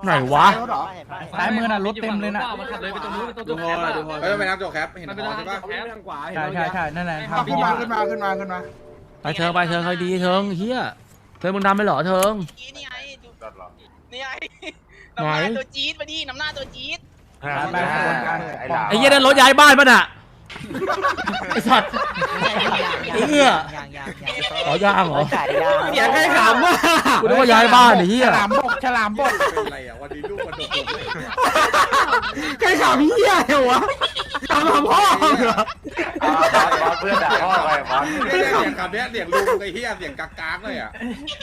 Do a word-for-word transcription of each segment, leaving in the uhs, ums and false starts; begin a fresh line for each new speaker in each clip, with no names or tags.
ไหนวะ
ซ้ายมือน่ะรถเต็มเลยน่ะ
มันขับเลยไปตรงนู้นไปตรง
ดู
นู้น
พอดูพอ
เฮ้ยไปนับโจแคปเห็น
มัน
พ
เป็น
อ
ทาง
ใช่ปะ
แคบ
ทางขวา
ใช่ใช่ใช่นั่นแหละ
ขึ้นมาขึ้นมาขึ้นมาขึ้นมา
ไปเธอไปเธอใครดีเธอเฮียเธอมึงดำไปเหรอเธอ
นี่ไงนี่ไงน้ำหน้าตัวจี๊ดมาดิน้ำหน้าตัวจี๊ด
ไปขบวนการ
ไอ้เหี้ยนั่นรถย้ายบ้านป่ะน่ะไอ้สัตว์ไอ้เหี้ยอ๋อย่างเหรอ
เสียงใครขำวะ
กูนึกว่าย้ายบ้านไอ้เหี้ย
ฉลามบกฉลามบก
เป็นไรอ่ะวันนี้ลูกมันโดดเลย
ใครขำเหี้ยเหรอวะขำขำพ่อเหรอ
เพื่อนด่าพ่อไปบอล
เสียงคำเนี้ยเสียงลุงไอ้เหี้ยเสียงกากๆเลยอ่ะ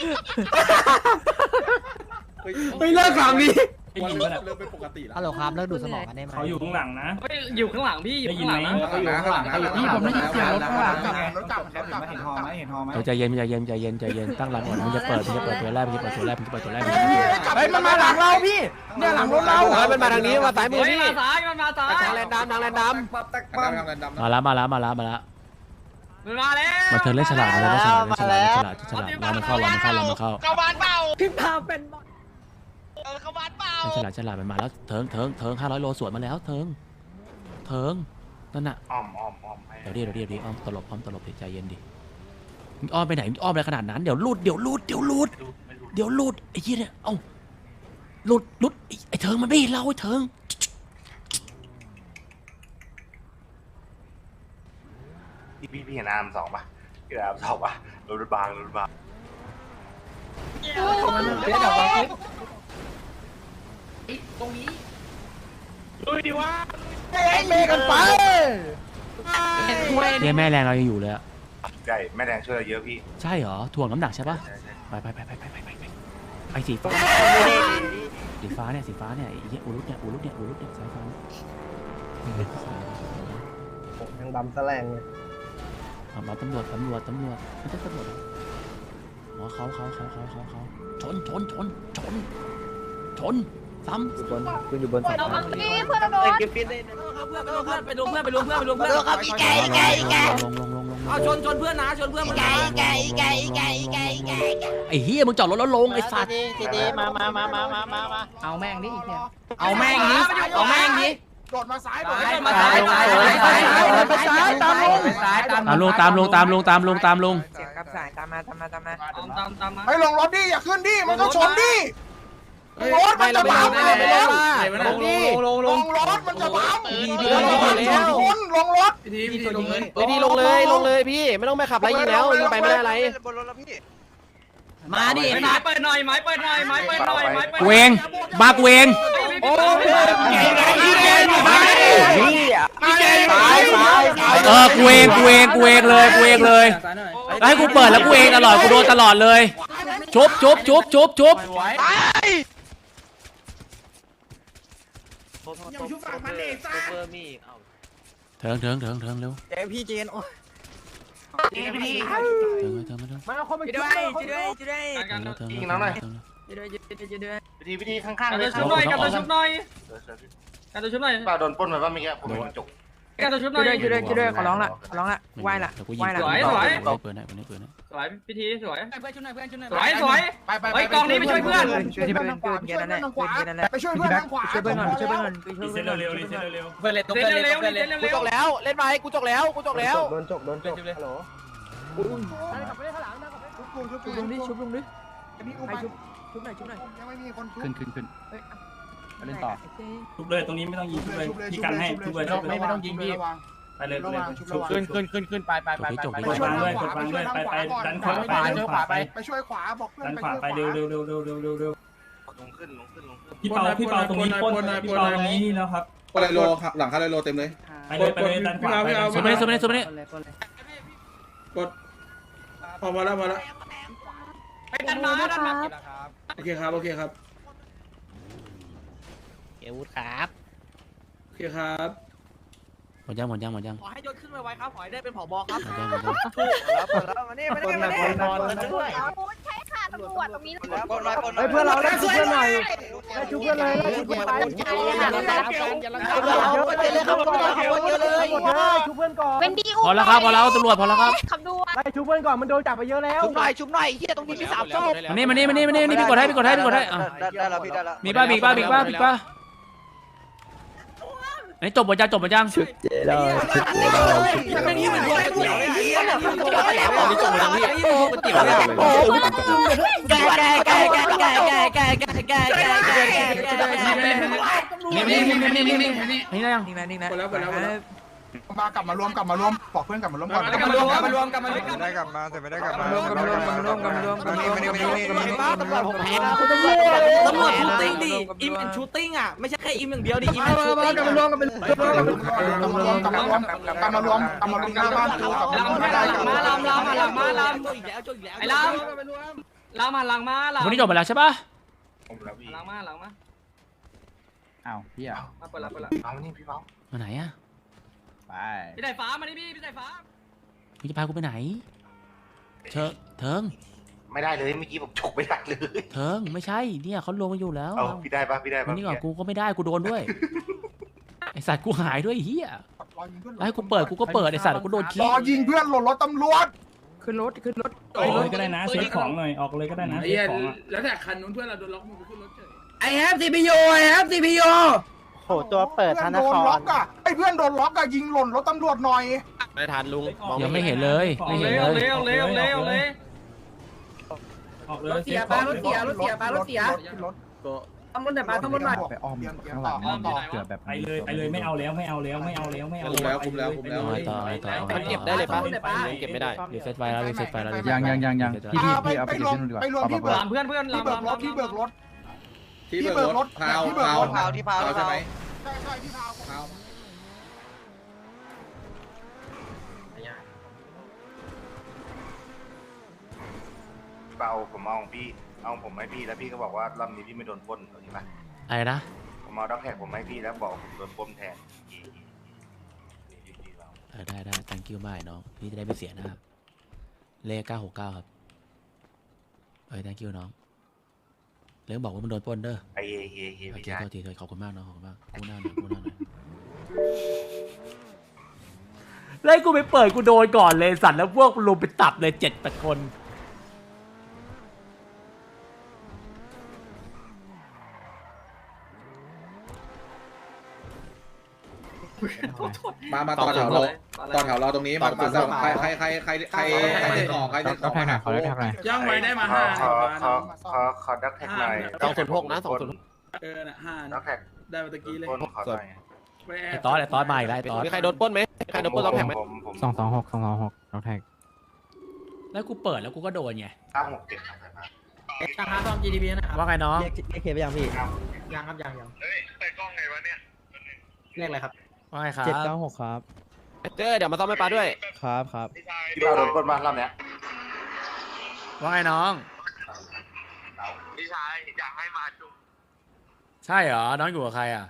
ไม่เลิกขำดิ
วันเริ่มเริ่มเป็นปกติแล้ว
ฮัลโหลครับเลิกดูสมองกันได้ไหม
เขาอยู่ข้างหลังนะ
เฮ้ยอยู่ข้างหลังพี่อยู่ข้างหลังนะ
ข้างหลังข้างหลังข้างหลัง
พี่ผมได้ยินเสียงรถข้างหลัง
รถกลับรถกลับเห็นหอไหมเห็นหอไหม
ใจเย็นใจเย็นใจเย็นใจเย็นตั้งหลักก่อนมึงจะเปิดมึงจะเปิดตัวแรกมึงจะเปิดตัวแรกมึงจะเปิดตัวแรก
เฮ้ยมันมาหลังเราพี่เนี่ยหลังรถเรา
มันมาทางนี้มาซ้ายมือ
เฮ้ย
พี่
มาซ้ายมันมาซ้าย
ทางแลนด์ดำทางแลนด์ด
ดำดำดำ
มาแล้วมาแล้วมาแล้วมาแล้ว
มันมาแล้ว
มาเธอเล่นฉลาดมาเล่นฉลาดเล่นฉลาดเล่นฉลาดฉลาดรอมันเข้ารอมันเข้ารอมันเข้า
เข้าบ้านเปล่า
ำพี่พาเป็น
เออเข้าบ้านเปล่า
เล่นฉลาดฉลาดมันมาแล้วเถิงเถิงเถิงห้าร้อยโลสวนมาแล้วเถิงเถิงนั่นน่ะ
อ้อมอ้อมอ้อม
เดี๋ยวดิเดี๋ยวดิเดี๋ยวดิอ้อมตลบอ้อมตลบใจเย็นดิมึงอ้อมไปไหนมึงอ้อมอะไรขนาดนั้นเดี๋ยวลูดเดี๋ยวลูดเดี๋ยวลูดเดี๋ยวลูดไอ้เหี้ยเนี่ยเอ้าลูดลูดไอ้ไอ้เถิงมันไม่เห็นเราไอ้เถิง
พี่พี่พี่เห็นอาร์มสองป่ะพี่อาร์มสองป่ะรถบางรถบาง
เมกันไป
เนี่ยแม่แรงเรายังอยู่เลยอะ
ใช่แม่แดงช่วยเราเยอะพี่
ใช่เหรอถ่วงน้ำหนักใช่ปะไปไปไปไปไปไปไปไปไอ้สีฟ้าสีฟ้าเนี่ยสีฟ้าเนี่ยไอ้เหี้ยอูรุตเนี่ยอูรุตเนี่ยอูรุตเนี่ยสายฟ้า
ยังดำแสลงเลย
เอามาตำรวจตำรวจตำรวจไม่ใช่ตำรวจอ๋อเขาเขาเขาเขาเขาเขาชนชนชนชนชนซ้ำ
อยู่บนคุณอยู่บนสาย
เราเมื่อกี้เพื่อนเราโดน
เก็บฟิตเลย
ไปดูเพื่อนไปดูเพื่อนไปดูเพื่อน
โดนครับอีแกอีแกอีแก
ลงลงลงลง
เอาชนชนเพื่อนนะชนเพื่อน
อีแกอีแกอีแกอีแกอีแกอีแก
ไอ้เฮียมึงจอดรถแล้วลงไอ้สัตว์
ทีดีมามามามามามามา
เอาแม่งดิอีกเนี่ย
เอาแม่งนี้เอาแม่งนี้
โดดมาซ้ายโดด
มาซ้ายซ้ายซ้ายซ้าย
ไปซ้ายตามลง
ซ้ายตาม
ตามลงตามลงตามลงตามลงตามลง
เสียงกับสายตามมาตามมาตามมา
ตามตามตามมา
เฮ้ยลงรถดิอย่าขึ้นดิมันต้องชนดิรถมันจะบัง
ไม่ไม่ไม่ไม่
ลงลงล
ล
ง
งรถมันจะบัง
พี่
ช
พี่
นคนลงรถ
พี่พี่ลงเลย
พี่ลงเลยลงเลยพี่ไม่ต้องไปขับไรยิงแล้วยิงไปไม่ได้อะไร
มาดิไม้เปิดหน่อยไม้เปิดหน่อยไม้เปิดหน่อยไม้เปิด
กูเองมากูเอง
โอ้ย
เออกูเองกูเองกูเองเลยกูเองเลยแล้วให้กูเปิดแล้วกูเองตลอดกูโดนตลอดเลยชุบชุบชุบชุบชุบ
ยังชุบฝั่งมันเองซ่า
เถิงเถิงเถิงเถิงเร็ว
เจพี่เจนโอ้
เถิงเถิงเถิงเถิง
มาเอาคนมาช่วยช่วยด้วยช่วยด้วย
เถิงเถิง
ยิงน้องหน่อย
เถิง
ช่วยด้วยช่วยด้วยช่วยด้วย
วิธีวิธีข้าง
กา
ๆ
ร
เลย
ตัวชุบหน่อยการตัวชุบหน่อยการตัวชุบหน่อย
เปล่าโดนปล้นไปป่ะเมื่อกี้ผมเป็นจุก
การตัวชุบหน่
ช่
อ
วย ยด้วยช่วยด้วยช่วยด้วยขอร้องละขอร้องละไหวละ
เดี๋ยวกูยิง
ไหวละ
เปิดเปิดให้เปิดให้เปิดให้
สวยพิธีสวย
เพื่อนชุดไหนเพื่อนชุดไหน
สวยสวย
ไปไป
เฮ้ยกองนี้ไปช่วยเพื่อน
ช่วยที่เพื่อนช่วยเพื่อนนั่นแหละช่วยเพื่อนนั่นแหละ
ไปช่วยเพื่อนทางขวา
ช่วยเพื่อนก่อนช่วยเพื่อนก่อนช่วยเพื่อนก่อน
เร็วเร็วเร็วเร็ว
เพื่อนเล่นเร็วเร็วเร็ว
กูจกแล้วเล่นไปกูจกแล้วกูจกแล้วโดนจกโดนจกฮัลโหล
ชุบ
ชุบลงดิชุบลงดิ
นี่กู
ใคร
ไป
ชุบชุบหน่อยชุบหน่อย
ยังไม่มีคนชุบ
ขึ้นขึ้นขึ้น
เล่นต่อ
ทุบเลยตรงนี้ไม่ต้องยิงทุบเลยพี่กันให้ทุบเลยไม่ไม่ต้องยิงพี่ไปเลยไปเลยขึ้นขึ้นขึ้นขึ้นไปไปไปไปกดวางด้วยกดวางด้วยไปไปดันขวาไปดันขวาไป
ไปช่วยขวาบอกเพื่อน
ดัน
ไป
ขวา
ช่วย
ไปเร็วเร็วเร็วเร็วเร็วเร็วเร็ว
ลงขึ้นลงขึ้นลงขึ้น
พี่เปาพี่เปาตรงนี้ปนพี่เปาตรงนี้นี่แล้วครับ
อะไรโลหลังคาเลยโลเต็มเลย
ไปเลยไปเลยดันขวาไป
สุดไปเลยสุดไปเลยสุดไปเลย
กดพอมาแล้วมาแล้ว
ไปดันมาดันมา
โอเคครับโอเคครับ
เอวุฒครับ
โอเคครับ
หมดยังหมดยังหมดยัง
ขอให้ยศขึ้นไวๆครับขอให้ได้เป็นผบครับ
หมดยังหมดยัง
แล้วแล้วมานี่มานี่มานี่
อาวุธใช้ขาด
ตำรวจตรงนี้
ปนหน่อยปนหน่
เฮ้
อย
ยเพื่อนเราไล่ชุบเพื่อนหน่อยไล่ชุบเพื่อนเลยไล่ชุบเพื่อนไปชุบเพื่อนก่อน
เป็นดี
พอแล้วครับพอแล้วตำรวจพอแล้วครับ
ขับดู
ไล่ชุบเพื่อนก่อนมันโดนจับไปเยอะแล้ว
ชุบหน่อยชุบหน่อยเฮียตรงนี้มีสามศพ
มานี่มานี่มานี่มานี่นี่พี่กดให้พี่กดให้พี่กดให้อ่ะ
ได้ได้แล้วพี่ได้แล้ว
มีป้ามีป้ามีป้ามีป้าอันนี้จบหมดยังจบหมดยัง
ไม่นี่เหมือนก๋วยเตี๋ยวเลยเฮียเนี่ยมันจบแล้ว
นี่จบหมดแล้วพี่ก๋วยเตี๋ยวเนี่ย
แกแกแกแกแกแกแกแกแกแกแก
นี่นี่นี่นี่นี่นี่นี่ได้ยัง
นิ่งนะนิ่งนะ
หมดแล้วหมดแล้วหมดแล้ว
มากลับมารวมกลับมารวมบอกเพื่อนกลับมารวมก่อน
กลับมารวมกลับมารวมกลับมารวม
ได้กลับมาแต่ไม่ได้กลับมาร
วมกลับมารวมกลับมารวมกลับมารวมกลับมารวมกลับมารวมกลับมารวม
ตำรวจผมแพ้
ตำรวจตำรวจชูติ้งดิอิมเป็นชูติ้งอ่ะไม่ใช่แค่อิมอย่างเดียวดิอิมเป็นชูติ้ง
กลับมารวมกันเป็นกลับมารวมกลับมารวมกลับมารวมกลับมารวมหน้าบ้านกูกับ
ลำ
ไม่ได้กัน
มาลำลำมาลำมาลำอีกแล้วจุดอีกแล้วไอ้ลำลำมาลังมาลำ
วันนี้จบหมดแล้วใช่ปะ
ผมแล้วพี่
ลังมาลังมา
อ้าวพี่อ่ะ
มาเปิดละเปิดละ
เอานี่พี่เป้า
มาไหนอ่ะ
ไป
พี่สายฟ้ามาดิพี่พี่สายฟ้า
มึงจะพากูไปไหนเชิงเทิง
ไม่ได้เลยเมื่อกี้ผมฉกไม่ได้เลย
เทิงไม่ใช่เนี่ยเขาลงมาอยู่แล้ว
เอาพี่ได้ปะพี่ได้
วั
ปะ
นนี้ก่อนกูก็ไม่ได้กูโดนด้วยไอสัตว์กูหายด้วยเฮียแล้วให้กูเปิดกูก็เปิดไอสัตว์กูโดน
ร
ขี้
อยิงเพื่อนหล่นรถตำรวจ
ขึ้นรถขึ้นรถ
ออกเลยก็ได้นะเช็คของหน่อยออกเลยก็ได้นะเช็คของอ่ะ
แล้วแต่คันนู้นเพื่อนเราโดนล็อกมือขึ้นรถเฉย
ไอแฮปซีพียูไอแฮปซีพียู
โหตัวเปิดธนา
โดน
คา
ล็อ
ร
กอ่ะไอ้เพื่อนโดนล็อกอ่ะยิงหล่นรถตำรวจหน่อย
ไม่ทันลุง
ยังไม่เห็นเลยไม่เห็น
เร็ว
เลย
เร็วเร็วเร็วเลย
ออกเลย
รถเสียปลารถเสียรถเสียปลารถเสีย
รถ
ต้องรถไหนปลาต้องรถหน่อย
ไปอ้อมข้างหลังต่อ
เกือบแบบ
ไปเลยไปเลยไม่เอาแล้วไม่เอาแล้วไม่เอาแล้วไม่เอา
ต่อต่อ
มันเก็บได้เลยปะ
เก็บไม่ได้
รีเซ็ตไฟแล้วรีเซ็ตไฟแล้ว
ยังยังยังยัง
พี่พี่พี่เอาไปรวมไปรวมที่เบิก
ลามเพื่อนเพื่อน
ที่
ลาม
เบิก
ลาม
รถที่เบิกรถ
ที่เบิกรถพาว
ที่เบิก
พาว
รถ
พาวที่พาว
ใช่ไหม
ใช่ใช่ที่พาว
พาว
เป้าผมเอาของพี่เอาผมให้พี่แล้วพี่ก็บอกว่ารอบนี้พี่ไม่โดนปล้นใช่ไหม
อะไรนะ
ผมเอาด็อกแท็กผมให้พี่แล้วบอกผมโดนปล้นแทน
เออได้ได้ thank you มากน้องพี่จะได้ไม่เสียหน้าเลขเก้าหกเก้าครับเอ้ย thank you น้องเรื่องบอกว่ามันโดนปล้นเด้อ
ไอเอเอเอ
โอ
ไม่
เค
ใช่
โทษทีโทษขอบคุณมากน้องขอบคุณมากกูหน้าหน่อยกูหน้าหน่อยเลยกูไปเปิดกูโดนก่อนเลยสัตว์แล้วพวกลุมไปตับเลยเจ็ดแปดคน
มามาต่อแถวเราต่อแถวเราตรงนี้มามาใครใครใครใครใครใครเด็กออกใครเด็กออกมาหาเขา
ย่างไว้ได้มา
ขอ
ห้า
ขอขอขอขอด็อกแท็กหน่อย
สองศูนย์หกนะสองศูนย์
เออน่ะห้า
ด็อกแท็ก
ได้มาตะกี้เลย
ปล้นขอหน่อย
ไอ้ตอสไอ้ตอสมาอีกแล้วไอ้ตอส
มีใครโดนปล้นไหมใครโดนปล้นต้องแท็กไหม
ผมผม
สองสองหกสองสองหกน้องแท็ก
แล้วกูเปิดแล้วกูก็โดนไง
เก้าหกเจ็ดครับ
ราคาซ่อม จี ดี พี นะครับ
ว่าไงน้อง
เรียกเรียกเคไปยังพี่
ยังครับยังยัง
เฮ้ยไปกล้องไงวะเนี่ย
เรียกอะไรครับ
ว่าไงครับ
เจ็ดเก้าหกครับ
เจอเดี๋ยวมาซ่อมให้ปลาด้วย
ครับครับ
พี่เป้าโดนปล้นมารอบเนี้ย
ว่าไงน้อง
พี่ชายอยากให้มาจุ๊บ
ใช่เหรอน้องอยู่กับใครอ่ะ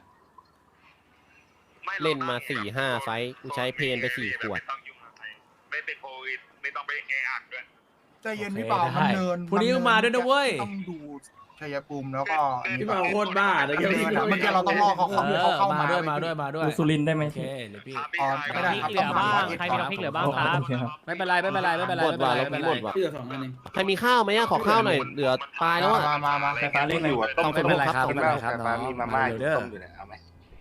เล่นมาสี่ห้าไฟกูใช้เพนไปสี่ขวด
ไม่เป็นโควิดไม่ต้องไปแออัดด้วย
ใจเย็นพี่เปามันเนิน
พรุ่งนี้ก็มาด้วยนะเว้ย
ต้องดูชัยภูมิแล้วก็
พี่บ่าวโคตรบ้าเลย
เมื่อกี้เราต้องรอเขา
เอ
เข้า
อ
เขาเข้า
มา
มา
ด้วยมาด้วยมาด้วย
ดูสุรินได้ไหม
โอเคเดี๋ยวพี่
อ๋อไม่ได้ครับต้องมา
ใครมีน้ำพริกเหลือบ้างครับ
โอเคครับ
ไม่เป็นไรไม่เป็นไรไม่เป็นไร
หมด
ไม่
ว่ะ
เป็นไร
เรา
ไม่
มี
เป็นไร
หมดว่ะ
พี่เหลือสองอันเอง
ใครมีข้าวไหมอะขอข้าวหน่อยเหลือตายแล้วอะ
มามามา
ไฟฟ้าเล่นอยู่
ต้องเป็นไรครับ
คุ
ไม่
ณ
เป็น
แม่
ไรครับ
แต่
น้
ปลา
อง
มีมาม่า
เดี๋ยวเด้อ
ต้มอยู่เนี่ยเอาไหม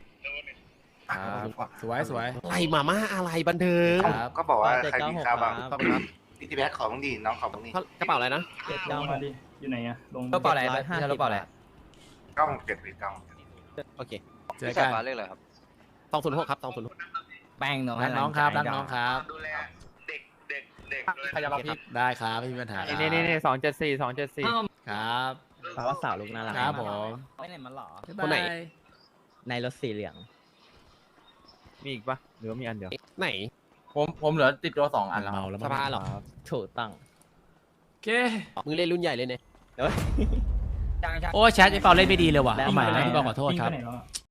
ครับสวยสวย
อะไรมาม่าอะไรบันเทิง
ครับ
ก็บอกว่าใครมีข้าวบ้างพี่ทีแบ็คขอบ้างดิน้องขอบ้างดิ
กระเป๋าอะไรนะ
ลงมาดิอยู่ไหนอะลง
กระเป๋าอะไรพี่กระเป๋าอะไร
เก้าหกเจ็ดพี่เก้า
โอเค
เจอกัน
เรียกอะไรครับ
สองศูนย์หกครับสองศูนย์หก
แป้งน้อง
รักน้องครับรักน้องครับ
ดูแลเด็กเด็กเด็กด้วย
ใครจะมาพี่
ได้ครับไม่มีปัญหาครับ
นี่นี่นี่สองเจ็ดสี่สองเจ็ดสี่
ครับ
แปลว่าสาวลูกน่ารัก
ครับผม
ไม่ไหนมันหรอ
คนไหน
ในรถสีเหลือง มีอีกปะหรือว่ามีอันเดียว
ไหน
ผมผมเหลือติดตัวสองอันแล้ว
เมาแล้ว
สภาเหรอ
ถูกตั้ง
โอเค
มึงเล่นรุ่นใหญ่เลยเนี่ย
โอ้แชทไอ้เปาเล่นไม่ดีเลยว่ะเอาใหม่นะพี่บอกขอโทษครับ
วิ่งไปไหนแล้วอะ